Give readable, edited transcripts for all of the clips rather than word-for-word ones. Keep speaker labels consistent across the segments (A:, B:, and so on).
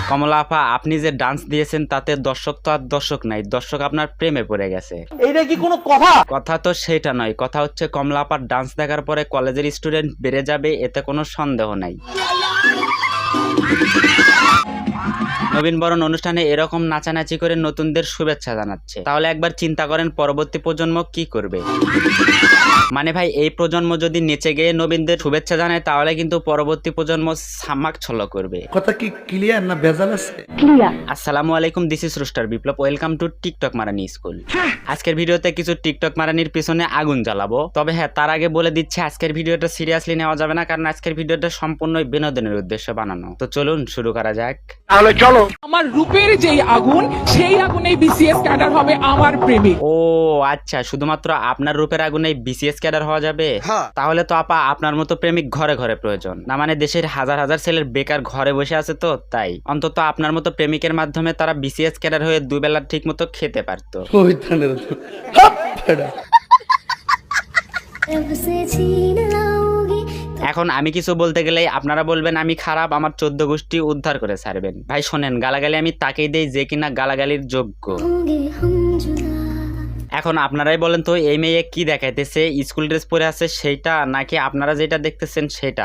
A: কমলা আপা, আপনি যে ডান্স দিয়েছেন তাতে দর্শক তো আর দর্শক নাই, দর্শক আপনার প্রেমে পড়ে গেছে।
B: এইটা কি কোনো কথা?
A: কথা তো সেটা নয়, কথা হচ্ছে কমলা আপার ডান্স দেখার পরে কলেজের স্টুডেন্ট বেড়ে যাবে, এতে কোনো সন্দেহ নাই। নবীনবরণ অনুষ্ঠানে এরকম নাচানাচি করে নতুনদের শুভেচ্ছা জানাচ্ছে, তাহলে একবার চিন্তা করেন পরবর্তী প্রজন্ম কি করবে। মানে ভাই, এই প্রজন্ম যদি নেচে গিয়ে নবীনদের শুভেচ্ছা জানায় তাহলে কিন্তু পরবর্তী প্রজন্ম সামাক ছল করবে।
C: কথা কি ক্লিয়ার না ভেজাল আছে?
A: আসসালামু আলাইকুম, this is rooster Biplob, welcome to TikTok মারানি স্কুল। আজকের ভিডিওতে কিছু টিকটক মারানির পিছনে আগুন জ্বালাবো। তবে হ্যাঁ, তার আগে বলে দিচ্ছি আজকের ভিডিওটা সিরিয়াসলি নেওয়া যাবে না, কারণ আজকের ভিডিওটা সম্পূর্ণই বিনোদনের উদ্দেশ্যে বানানো। তো চলুন শুরু করা যাক।
B: তাহলে চলো।
D: আমার রূপের যেই আগুন, সেই আগুনেই বিসিএস ক্যাডার হবে আমার প্রেমিক।
A: ও আচ্ছা, শুধুমাত্র আপনার রূপের আগুনে বিসিএস ক্যাডার হওয়া যাবে? তাহলে তো আপা আপনার মতো প্রেমিক ঘরে ঘরে প্রয়োজন। না মানে দেশের হাজার হাজার ছেলের বেকার ঘরে বসে আছে, তো তাই অন্তত আপনার মতো প্রেমিকের মাধ্যমে তারা বিসিএস ক্যাডার হয়ে দুবেলা ঠিক মতো খেতে পারতো।
C: ওই থানের হাপ ফেডা।
A: এখন আমি কিছু বলতে গেলেই আপনারা বলবেন আমি খারাপ, আমার 14 গোষ্ঠী উদ্ধার করে ছাড়বেন। ভাই শোনেন, গালাগালি আমি তাকেই দেই যে কিনা গালাগালির যোগ্য। এখন আপনারাই বলেন তো, এই মেয়ে কি দেখাইতেছে? স্কুল ড্রেস পরে আছে সেইটা, নাকি আপনারা যেটা দেখতেছেন সেটা?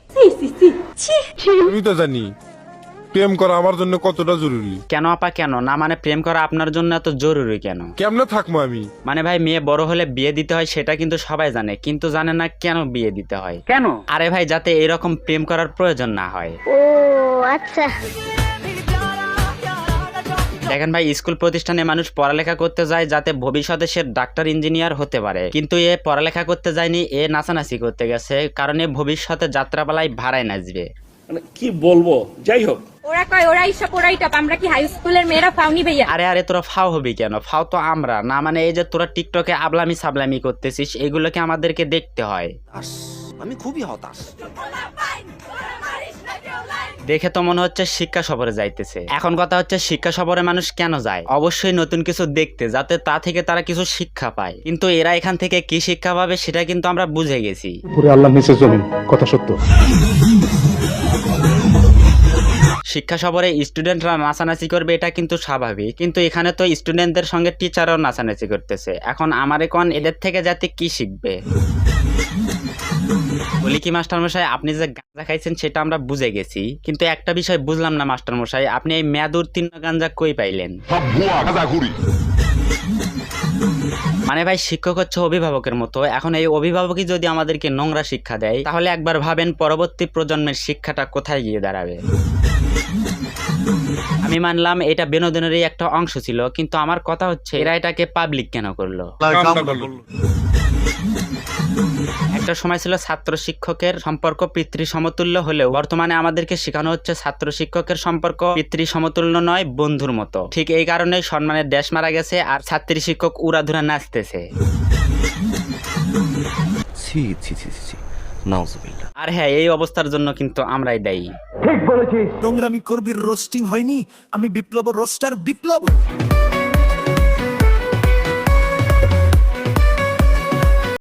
E: আমি তো জানি প্রেম করা আমার জন্য কতটা জরুরি।
A: কেন আপা কেন? না মানে প্রেম করা আপনার জন্য এত জরুরি কেন?
E: কেমনে থাকবো আমি?
A: মানে ভাই, মেয়ে বড় হলে বিয়ে দিতে হয় সেটা কিন্তু সবাই জানে, কিন্তু জানে না কেন বিয়ে দিতে হয়।
B: কেন?
A: আরে ভাই, যাতে এরকম প্রেম করার প্রয়োজন না হয়।
F: ও আচ্ছা।
A: দেখেন ভাই, স্কুল প্রতিষ্ঠানে মানুষ পড়ালেখা করতে যায় যাতে ভবিষ্যতে সে ডাক্তার ইঞ্জিনিয়ার হতে পারে, কিন্তু এ পড়ালেখা করতে যায়নি, এ নাচানাচি করতে গেছে, কারণ এ ভবিষ্যতে যাত্রাপালায় ভাড়ায় নাচবে।
B: মানে কি বলবো, যাই হোক।
G: ওরা কয় ওরা ইসব ওরাই টপ, আমরা কি হাই স্কুলের মেয়েরা ফাউনি ভাইয়া?
A: আরে আরে, তোরা ফাও হবি কেন? ফাও তো আমরা না, মানে এই যে তোরা টিকটকে আবলামি সাবলামি করতেছিস, এগুলোকে আমাদেরকে দেখতে হয়।
C: আমি খুবই হতাশ।
A: দেখে তো মনে হচ্ছে শিক্ষা সফরে যাইতেছে। এখন কথা হচ্ছে, শিক্ষা সফরে মানুষ কেন যায়? অবশ্যই নতুন কিছু দেখতে, যাতে তা থেকে তারা কিছু শিক্ষা পায়। কিন্তু এরা এখান থেকে কি শিক্ষা পাবে সেটা কিন্তু আমরা বুঝে গেছি।
H: পুরো আল্লাহ নিচে জমিন, কথা সত্য।
A: শিক্ষা সফরে স্টুডেন্টরা নাচানাচি করবে, এটা কিন্তু স্বাভাবিক, কিন্তু এখানে তো স্টুডেন্টদের সঙ্গে টিচারও নাচানাচি করতেছে। এখন আমার এখন এদের থেকে যাতে কি শিখবে? বলি কি মাস্টারমশাই, আপনি যে গাঁজা খাইছেন সেটা আমরা বুঝে গেছি, কিন্তু একটা বিষয় বুঝলাম না মাস্টারমশাই, আপনি এই মেয়াদ উত্তীর্ণ গাঁজা কই পাইলেন? মানে ভাই, শিক্ষক হচ্ছে অভিভাবকের মতো। এখন এই অভিভাবকই যদি আমাদেরকে নোংরা শিক্ষা দেয়, তাহলে একবার ভাবেন পরবর্তী প্রজন্মের শিক্ষাটা কোথায় গিয়ে দাঁড়াবে। আমি মানলাম এটা বিনোদনেরই একটা অংশ ছিল, কিন্তু আমার কথা হচ্ছে এরা এটাকে পাবলিক কেন করলো? একটা সময় ছিল ছাত্র শিক্ষকের সম্পর্ক পিতৃ সমতুল্য হলেও বর্তমানে আমাদেরকে শেখানো হচ্ছে ছাত্র শিক্ষকের সম্পর্ক পিতৃ সমতুল্য নয়, বন্ধুর মতো। ঠিক এই কারণেই সম্মানের দেশ মারা গেছে আর ছাত্রী শিক্ষক উড়াধুরা নাচতেছে। আর হ্যাঁ, এই অবস্থার জন্য কিন্তু আমরাই দায়ী।
B: ঠিক বলেছিস।
C: নোংরামি করবি, রোস্টিং হয়নি। আমি বিপ্লব রোস্টার বিপ্লব।